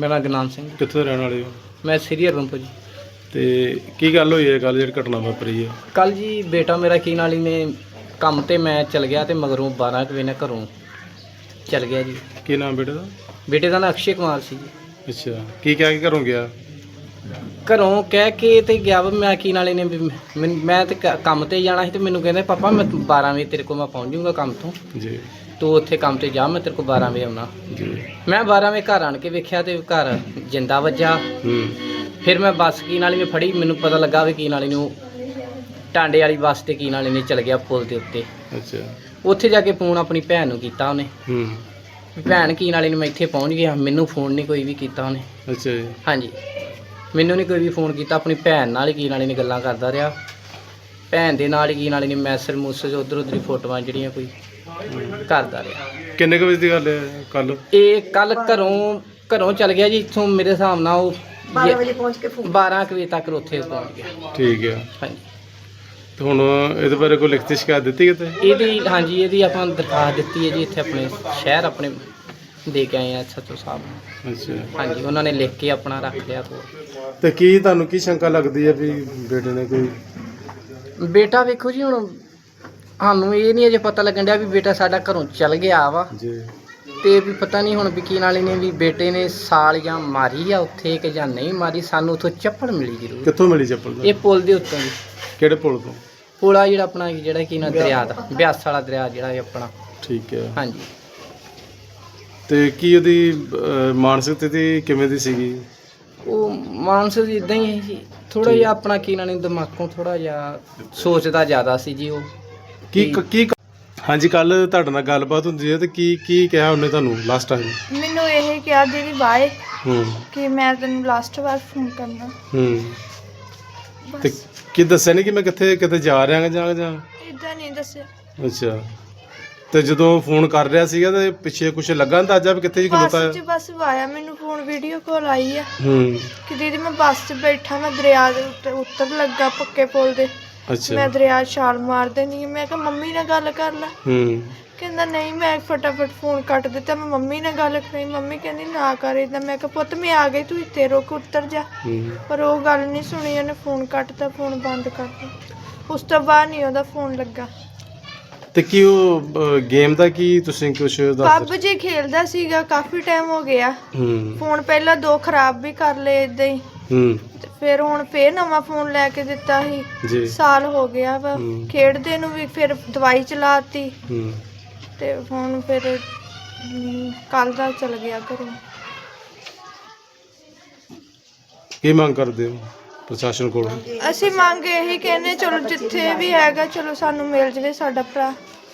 ਮੇਰਾ ਗੁਰਨਾਮ ਸਿੰਘ। ਕਿੱਥੋਂ ਦੇ ਰਹਿਣ ਵਾਲੇ ਹੋ? ਮੈਂ ਸ੍ਰੀ ਹਰਨਪੁਰ ਜੀ। ਤੇ ਕੀ ਗੱਲ ਹੋਈ ਹੈ ਕੱਲ ਜਿਹੜੀ ਘਟਨਾ ਵਾਪਰੀ ਹੈ? ਕੱਲ ਜੀ ਬੇਟਾ ਮੇਰਾ ਕੀ ਨਾਲ ਹੀ ਨੇ ਕੰਮ ਤੇ ਮੈਂ ਚਲ ਗਿਆ ਤੇ ਮਗਰੋਂ 12 ਕੁ ਵਜੇ ਨਾਲ ਘਰੋਂ ਚਲ ਗਿਆ ਜੀ। ਕੀ ਨਾਮ ਬੇਟੇ ਦਾ? ਬੇਟੇ ਦਾ ਨਾਂ ਅਕਸ਼ੇ ਕੁਮਾਰ ਸੀ ਜੀ। ਅੱਛਾ, ਕੀ ਕਹਿ ਕੇ ਘਰੋਂ ਗਿਆ? ਘਰੋਂ ਕਹਿ ਕੇ ਤੇ ਗਿਆ ਵਾ ਮੈਂ ਕੀ ਨਾਲੇ ਨੇ ਵੀ ਮੈਂ ਤੇ ਕੰਮ ਤੇ ਜਾਣਾ ਸੀ ਤੇ ਮੈਨੂੰ ਕਹਿੰਦੇ ਪਾਪਾ ਮੈਂ 12 ਵਜੇ ਤੇਰੇ ਕੋਲ ਮੈਂ ਪਹੁੰਚ ਜਾਊਂਗਾ ਕੰਮ ਤੋਂ, ਜੀ ਤੂੰ ਉੱਥੇ ਕੰਮ ਤੇ ਜਾ, ਮੈਂ ਤੇਰੇ ਕੋਲ 12 ਵਜੇ ਆਉਣਾ। ਜੀ। ਮੈਂ 12 ਵਜੇ ਘਰ ਆਣ ਕੇ ਵੇਖਿਆ ਤੇ ਘਰ ਜਿੰਦਾ ਵੱਜਾ। ਫਿਰ ਮੈਂ ਬੱਸ ਕੀ ਨਾਲੀ ਨੇ ਫੜੀ, ਮੈਨੂੰ ਪਤਾ ਲੱਗਾ ਵੀ ਕੀ ਨਾਲੀ ਨੂੰ ਟਾਂਡੇ ਵਾਲੀ ਬੱਸ ਤੇ ਕੀ ਨਾਲੀ ਨੇ ਚਲ ਗਿਆ ਪੁਲ ਦੇ ਉੱਤੇ। ਅੱਛਾ। ਉੱਥੇ ਜਾ ਕੇ ਫੋਨ ਆਪਣੀ ਭੈਣ ਨੂੰ ਕੀਤਾ ਉਹਨੇ। ਭੈਣ ਕੀ ਨਾਲੀ ਨੂੰ ਮੈਂ ਇੱਥੇ ਪਹੁੰਚ ਗਿਆ, ਮੈਨੂੰ ਫੋਨ ਨਹੀਂ ਕੋਈ ਵੀ ਕੀਤਾ ਉਹਨੇ। ਅੱਛਾ ਜੀ। ਹਾਂਜੀ, ਮੈਨੂੰ ਨਹੀਂ ਕੋਈ ਵੀ ਫੋਨ ਕੀਤਾ, ਆਪਣੀ ਭੈਣ ਨਾਲ ਹੀ ਕੀ ਨਾਲੀ ਨੇ ਗੱਲਾਂ ਕਰਦਾ ਰਿਹਾ। ਭੈਣ ਦੇ ਨਾਲ ਹੀ ਕੀ ਨਾਲੀ ਨੇ ਮੈਸੇਜ ਮੂਸੇਜ ਉੱਧਰ ਉੱਧਰ ਫੋਟੋਆਂ ਜਿਹੜੀਆਂ ਕੋਈ ਕਰਦਾ ਰਿਹਾ। ਕਿੰਨੇ ਕੁ ਵਜੇ ਦੀ ਗੱਲ ਹੈ ਕੱਲ? ਇਹ ਕੱਲ ਘਰੋਂ ਚਲ ਗਿਆ ਜੀ ਇੱਥੋਂ, ਮੇਰੇ ਹਿਸਾਬ ਨਾਲ ਉਹ 12 ਵਜੇ ਪਹੁੰਚ ਕੇ 12 ਵਜੇ ਤੱਕ ਉੱਥੇ ਪਹੁੰਚ ਗਿਆ। ਠੀਕ ਹੈ। ਹਾਂਜੀ। ਤੇ ਹੁਣ ਇਹਦੇ ਬਾਰੇ ਕੋਈ ਲਿਖਤੀ ਸ਼ਿਕਾਇਤ ਦਿੱਤੀ ਕਿਤੇ? ਇਹਦੀ ਆਪਾਂ ਦਰਖਾਸਤ ਦਿੱਤੀ ਹੈ ਜੀ, ਇੱਥੇ ਆਪਣੇ ਸ਼ਹਿਰ ਆਪਣੇ ਦੇ ਕੇ ਆਏ ਆ SHO ਸਾਹਿਬ ਨੂੰ। ਅੱਛਾ। ਹਾਂਜੀ, ਉਹਨਾਂ ਨੇ ਲਿਖ ਕੇ ਆਪਣਾ ਰੱਖ ਲਿਆ ਕੋਲ। ਤੇ ਕੀ ਤੁਹਾਨੂੰ ਕੀ ਸ਼ੰਕਾ ਲੱਗਦੀ ਹੈ ਵੀ ਬੇਟੇ ਨੇ ਕੋਈ? ਬੇਟਾ ਵੇਖੋ ਜੀ, ਹੁਣ ਸਾਨੂੰ ਇਹ ਨਹੀਂ ਅਜੇ ਪਤਾ ਲੱਗਣ ਡਿਆ ਵੀ ਬੇਟਾ ਸਾਡਾ ਘਰੋਂ ਚਲ ਗਿਆ ਵਾ ਜੀ, ਤੇ ਵੀ ਪਤਾ ਨਹੀਂ ਹੁਣ ਵਕੀਲ ਵਾਲੇ ਨੇ ਵੀ ਬੇਟੇ ਨੇ ਸਾਲ ਜਾਂ ਮਾਰੀ ਆ ਉੱਥੇ ਕਿ ਜਾਂ ਨਹੀਂ ਮਾਰੀ। ਸਾਨੂੰ ਉੱਥੋਂ ਚੱਪਲ ਮਿਲੀ ਜ਼ਰੂਰ। ਕਿੱਥੋਂ ਮਿਲੀ ਚੱਪਲ? ਇਹ ਪੁਲ ਦੇ ਉੱਤੋਂ ਜੀ। ਕਿਹੜੇ ਪੁਲ ਤੋਂ? ਪੁਲ ਆ ਜਿਹੜਾ ਆਪਣਾ ਜਿਹੜਾ ਕੀ ਨਾ ਦਰਿਆ ਦਾ, ਬਿਆਸ ਵਾਲਾ ਦਰਿਆ ਜਿਹੜਾ ਇਹ ਆਪਣਾ। ਠੀਕ ਹੈ। ਹਾਂਜੀ। ਤੇ ਕੀ ਉਹਦੀ ਮਾਨਸਿਕ ਸਥਿਤੀ ਕਿਵੇਂ ਦੀ ਸੀਗੀ? ਉਹ ਮਾਨਸਿਕ ਇਦਾਂ ਹੀ ਹੈ ਜੀ, ਥੋੜਾ ਜਿਹਾ ਆਪਣਾ ਕੀ ਨਾ ਦਿਮਾਗੋਂ ਥੋੜਾ ਜਿਹਾ ਸੋਚਦਾ ਜ਼ਿਆਦਾ ਸੀ ਜੀ ਉਹ। ਕੀ ਹਾਂਜੀ, ਕੱਲ ਤੁਹਾਡੇ ਨਾਲ ਗੱਲਬਾਤ ਹੁੰਦੀ ਹੈ ਤੇ ਕੀ ਕਿਹਾ ਉਹਨੇ ਤੁਹਾਨੂੰ ਲਾਸਟ ਟਾਈਮ? ਮੈਨੂੰ ਇਹ ਕਿਹਾ ਦੀਦੀ ਬਾਏ, ਕਿ ਮੈਂ ਤੈਨੂੰ ਲਾਸਟ ਵਾਰ ਫੋਨ ਕਰਨਾ। ਤੇ ਕੀ ਦੱਸਿਆ ਨਹੀਂ ਕਿ ਮੈਂ ਕਿੱਥੇ ਜਾ ਰਿਹਾ ਜਾਂ ਇਦਾਂ ਨਹੀਂ ਦੱਸਿਆ। ਅੱਛਾ। ਤੇ ਜਦੋਂ ਫੋਨ ਕਰ ਰਿਹਾ ਸੀਗਾ ਤੇ ਪਿੱਛੇ ਕੁਝ ਲੱਗਾ ਅੰਦਾਜ਼ਾ ਵੀ ਕਿੱਥੇ ਖਲੋਤਾ ਹੈ? ਬਸ ਆਇਆ ਮੈਨੂੰ ਫੋਨ, ਵੀਡੀਓ ਕਾਲ ਆਈ ਆ ਕਿ ਦੀਦੀ ਮੈਂ ਬੱਸ 'ਚ ਬੈਠਾ, ਮੈਂ ਦਰਿਆ ਦੇ ਉੱਤੇ ਉੱਤਰ ਲੱਗਾ ਪੱਕੇ ਪੁਲ ਦੇ। ਅੱਛਾ। ਮੈਂ ਦਰਿਆ ਛਾਲ ਮਾਰ ਦੇਣੀ। ਮੈਂ ਕਿਹਾ ਮੰਮੀ ਨਾਲ ਗੱਲ ਕਰ ਲੈ। ਕਹਿੰਦਾ ਨਹੀਂ। ਮੈਂ ਫਟਾਫਟ ਫੋਨ ਕੱਟ ਦਿੱਤਾ, ਮੈਂ ਮੰਮੀ ਨਾਲ ਗੱਲ ਕਰੀ। ਮੰਮੀ ਕਹਿੰਦੀ ਨਾ ਕਰ ਏਦਾਂ। ਮੈਂ ਕਿਹਾ ਪੁੱਤ ਮੈਂ ਆ ਗਈ, ਤੂੰ ਇੱਥੇ ਰੁਕ, ਉੱਤਰ ਜਾ। ਪਰ ਉਹ ਗੱਲ ਨਹੀਂ ਸੁਣੀ, ਉਹਨੇ ਫੋਨ ਕੱਟਤਾ, ਫੋਨ ਬੰਦ ਕਰਤਾ। ਉਸ ਤੋਂ ਬਾਅਦ ਨਹੀਂ ਉਹਦਾ ਫੋਨ ਲੱਗਾ। ਤੇ ਕੀ ਉਹ ਗੇਮ ਦਾ ਕੀ ਤੁਸੀਂ ਕੁਝ ਦੱਸ? PUBG ਖੇਲਦਾ ਸੀਗਾ, ਕਾਫੀ ਟਾਈਮ ਹੋ ਗਿਆ। ਫੋਨ ਪਹਿਲਾਂ 2 ਖਰਾਬ ਵੀ ਕਰ ਲਏ ਇਦਾਂ ਹੀ। ਤੇ ਫਿਰ ਹੁਣ ਫੇਰ ਨਵਾਂ ਫੋਨ ਲੈ ਕੇ ਦਿੱਤਾ ਸੀ ਜੀ। ਸਾਲ ਹੋ ਗਿਆ ਵਾ ਖੇਡਦੇ ਨੂੰ ਵੀ। ਫਿਰ ਦਵਾਈ ਚਲਾਤੀ ਤੇ ਹੁਣ ਫਿਰ ਕੱਲ ਦਾ ਚਲ ਗਿਆ ਘਰੋਂ। ਕੀ ਮੰਗ ਕਰਦੇ ਹੋ ਪ੍ਰਸ਼ਾਸਨ ਕੋਲ? ਅਸੀਂ ਮੰਗ ਇਹੀ ਕਹਿੰਦੇ, ਚਲੋ ਜਿੱਥੇ ਵੀ ਹੈਗਾ ਚਲੋ ਸਾਨੂੰ ਮਿਲ ਜਵੇ ਸਾਡਾ ਭਰਾ।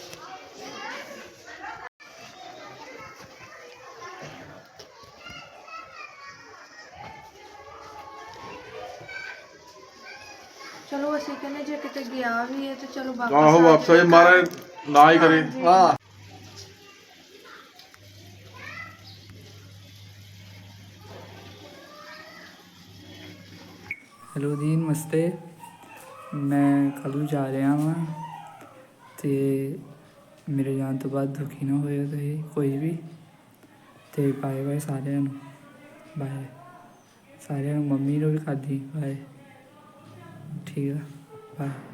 ਚਲੋ ਅਸੀਂ ਕਹਿੰਦੇ ਜੇ ਕਿਤੇ ਗਿਆ ਵੀ ਹੈ ਤੇ ਚਲੋ ਵਾਪਸ ਆ ਜਾਏ, ਮਾਰੇ ਨਾ ਹੀ ਕਰੇ। ਹਾਂ। ਹੈਲੋ ਜੀ, ਨਮਸਤੇ। ਮੈਂ ਕੱਲ੍ਹ ਨੂੰ ਜਾ ਰਿਹਾ ਵਾਂ ਤੇ ਮੇਰੇ ਜਾਣ ਤੋਂ ਬਾਅਦ ਦੁਖੀ ਨਾ ਹੋਇਓ ਤੁਸੀਂ ਕੋਈ ਵੀ। ਤੇ ਬਾਏ ਬਾਏ ਸਾਰਿਆਂ ਨੂੰ, ਬਾਏ ਸਾਰਿਆਂ ਨੂੰ, ਮੰਮੀ ਨੂੰ ਵੀ ਕਰਦੀ ਬਾਏ। ਠੀਕ ਆ, ਬਾਏ।